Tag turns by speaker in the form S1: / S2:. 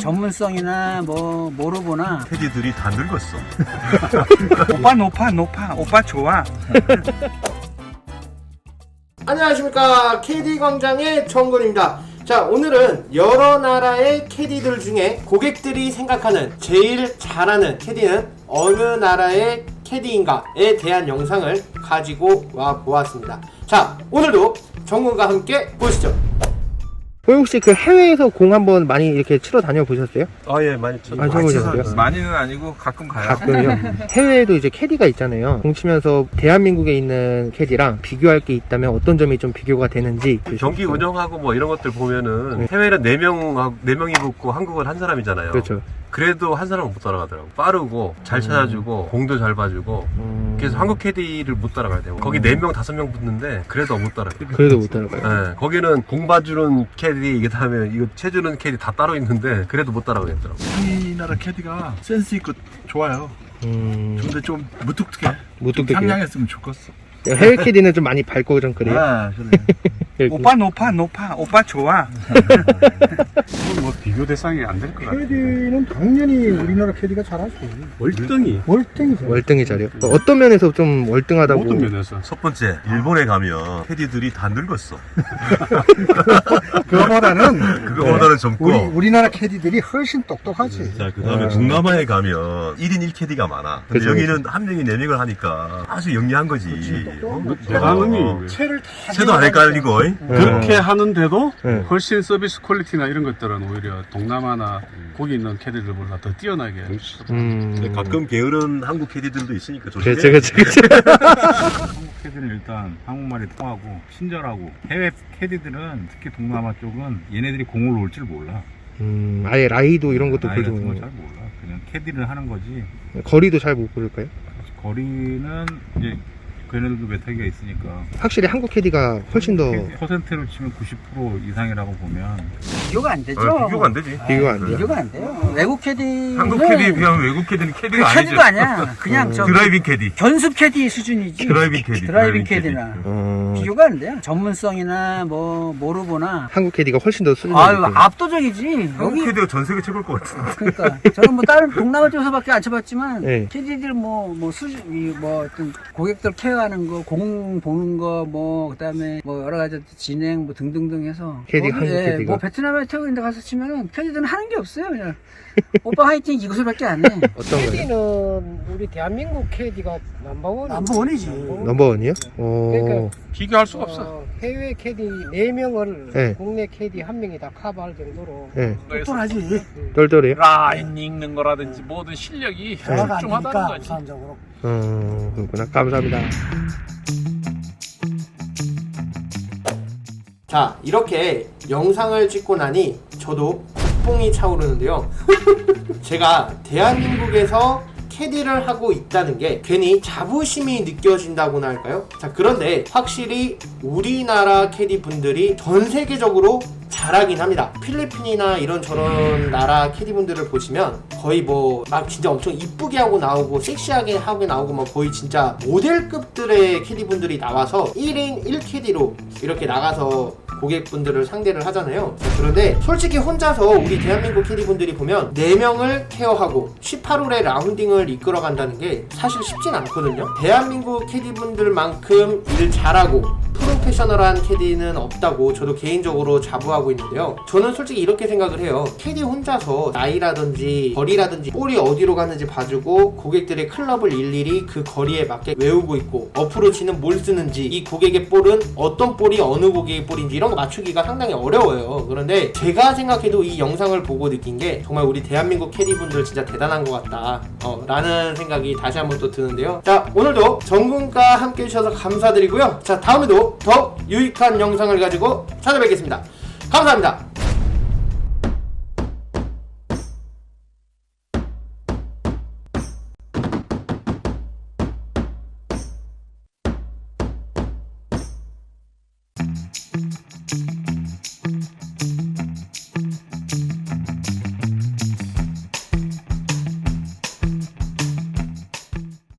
S1: 전문성이나 뭐 모르거나
S2: 캐디들이 다 늙었어.
S3: 오빠 높아 오빠 좋아.
S4: 안녕하십니까, 캐디 광장의 정근입니다. 자, 오늘은 여러 나라의 캐디들 중에 고객들이 생각하는 제일 잘하는 캐디는 어느 나라의 캐디인가에 대한 영상을 가지고 와 보았습니다. 자, 오늘도 정근과 함께 보시죠.
S5: 혹시 그 해외에서 공 한번 많이 이렇게 치러 다녀 보셨어요?
S2: 예, 많이 쳤어요.
S5: 안 쳐보셨어요?
S3: 많이는 아니고 가끔 가요.
S5: 가끔요. 해외에도 이제 캐디가 있잖아요. 공 치면서 대한민국에 있는 캐디랑 비교할 게 있다면 어떤 점이 좀 비교가 되는지.
S2: 경기 운영하고 뭐 이런 것들 보면은 해외는 4명이 붙고 한국은 한 사람이잖아요.
S5: 그렇죠.
S2: 그래도 한 사람은 못 따라가더라고. 빠르고 잘 찾아주고 공도 잘 봐주고. 그래서 한국 캐디를 못 따라가야 돼요. 거기 4명 5명 붙는데 그래도 못 따라가요.
S5: 그래도 못 따라가요.
S2: 네, 거기는 공 봐주는 캐디, 이게 다음에 이거 채주는 캐디 다 따로 있는데 그래도 못 따라가겠더라고.
S6: 우리나라 캐디가 센스 있고 좋아요. 근데 좀 무뚝뚝해.
S5: 무뚝뚝해요?
S6: 좀 상냥했으면 좋겠어.
S5: 해외 캐디는 좀 많이 밝고 좀 그래요.
S6: 아, 그래.
S3: 오빠 높아 오빠 좋아.
S7: 뭐 비교 대상이 안 될 것 같아요.
S8: 캐디는 당연히 우리나라 캐디가 잘하죠.
S2: 월등히.
S8: 월등이죠.
S5: 월등히 잘해요. 어떤 면에서 좀 월등하다고?
S7: 모든 면에서.
S2: 첫 번째, 일본에 가면 캐디들이 다 늙었어. 그거보다는 젊고.
S8: 우리나라 캐디들이 훨씬 똑똑하지.
S2: 자, 그 다음에 동남아에 가면 1인 1캐디가 많아. 근데
S5: 그쵸,
S2: 여기는 한 명이 4명을 하니까 아주 영리한 거지.
S7: 대단히
S8: 채를 다
S2: 채도 안 헷갈리고.
S7: 그렇게 하는데도
S5: 네.
S7: 훨씬 서비스 퀄리티나 이런 것들은 오히려 동남아나 거기 있는 캐디들보다 더 뛰어나게.
S2: 근데 가끔 게으른 한국 캐디들도 있으니까 조심해.
S5: 그렇죠.
S9: 한국 캐디는 일단 한국말이 통하고 친절하고, 해외 캐디들은 특히 동남아 쪽은 얘네들이 공을 올 줄 몰라.
S5: 아예 라이도 이런 것도
S9: 나이 같은
S5: 별로
S9: 걸 잘 몰라. 그냥 캐디를 하는 거지.
S5: 거리도 잘 못 고를까요?
S9: 거리는 이제 걔네들도 메타기가 있으니까
S5: 확실히 한국 캐디가 훨씬 더
S9: 퍼센트로 치면 90% 이상이라고 보면
S1: 비교가 안 되죠.
S2: 비교가 안 되지.
S5: 비교가 안 돼요.
S1: 비교가 안 돼요. 외국 캐디는
S2: 한국 캐디에 비하면 외국 캐디는 캐디가 아니죠.
S1: 캐디도 아니야. 그냥 저
S2: 드라이빙 캐디.
S1: 견습 캐디 수준이지.
S2: 드라이빙 캐디.
S1: 드라이빙 캐디나
S5: 어,
S1: 비교가 안 돼요. 전문성이나 뭐 모르거나.
S5: 한국 캐디가 훨씬 더 수준이
S1: 아유,
S5: 높고.
S1: 압도적이지.
S2: 한국
S1: 여기
S2: 캐디가 전 세계 최고일 것 같은데.
S1: 그러니까 저는 뭐 다른 동남아 쪽에서밖에 안 쳐봤지만
S5: 네.
S1: 캐디들 뭐 수준 뭐 어떤 고객들 케어하는 거, 공 보는 거, 뭐 그다음에 뭐 여러 가지 진행 뭐 등등등 해서
S5: 캐디,
S1: 거기,
S5: 한국 캐디가.
S1: 뭐 베트남에 태국 인데 가서 치면은 캐디들은 하는 게 없어요. 그냥 오빠 화이팅 이것을밖에 안 해.
S5: 어떤 거요?
S8: 캐디는 우리 대한민국 캐디가 넘버원.
S1: 남부원이지.
S5: 넘버원이요?
S8: 그러니까
S3: 비교할 수가 없어.
S8: 해외 캐디 4명을
S5: 네.
S8: 국내 캐디 1명이 다 커버할 정도로.
S5: 네.
S1: 똘똘하지.
S5: 똘똘해요?
S3: 라인 읽는 거라든지 모든 실력이 출중하다는 거지.
S8: 우선적으로.
S5: 그렇구나. 감사합니다.
S4: 자, 이렇게 영상을 찍고 나니 저도 국뽕이 차오르는데요. 제가 대한민국에서 캐디를 하고 있다는 게 괜히 자부심이 느껴진다고나 할까요? 자, 그런데 확실히 우리나라 캐디 분들이 전 세계적으로 잘하긴 합니다. 필리핀이나 이런 저런 나라 캐디 분들을 보시면 거의 뭐 막 진짜 엄청 이쁘게 하고 나오고 섹시하게 하고 나오고 막 거의 진짜 모델급들의 캐디 분들이 나와서 1인 1캐디로 이렇게 나가서 고객분들을 상대를 하잖아요. 그런데 솔직히 혼자서 우리 대한민국 캐디분들이 보면 4명을 케어하고 18홀의 라운딩을 이끌어 간다는 게 사실 쉽진 않거든요. 대한민국 캐디분들만큼 일 잘하고 프로페셔널한 캐디는 없다고 저도 개인적으로 자부하고 있는데요. 저는 솔직히 이렇게 생각을 해요. 캐디 혼자서 나이라든지 거리라든지 볼이 어디로 가는지 봐주고 고객들의 클럽을 일일이 그 거리에 맞게 외우고 있고 어프로치는 뭘 쓰는지 이 고객의 볼은 어떤 볼이 어느 고객의 볼인지 이런 거 맞추기가 상당히 어려워요. 그런데 제가 생각해도 이 영상을 보고 느낀 게 정말 우리 대한민국 캐디분들 진짜 대단한 것 같다 라는 생각이 다시 한번 또 드는데요. 자, 오늘도 정군과 함께 해주셔서 감사드리고요. 자, 다음에도 더 유익한 영상을 가지고 찾아뵙겠습니다. 감사합니다.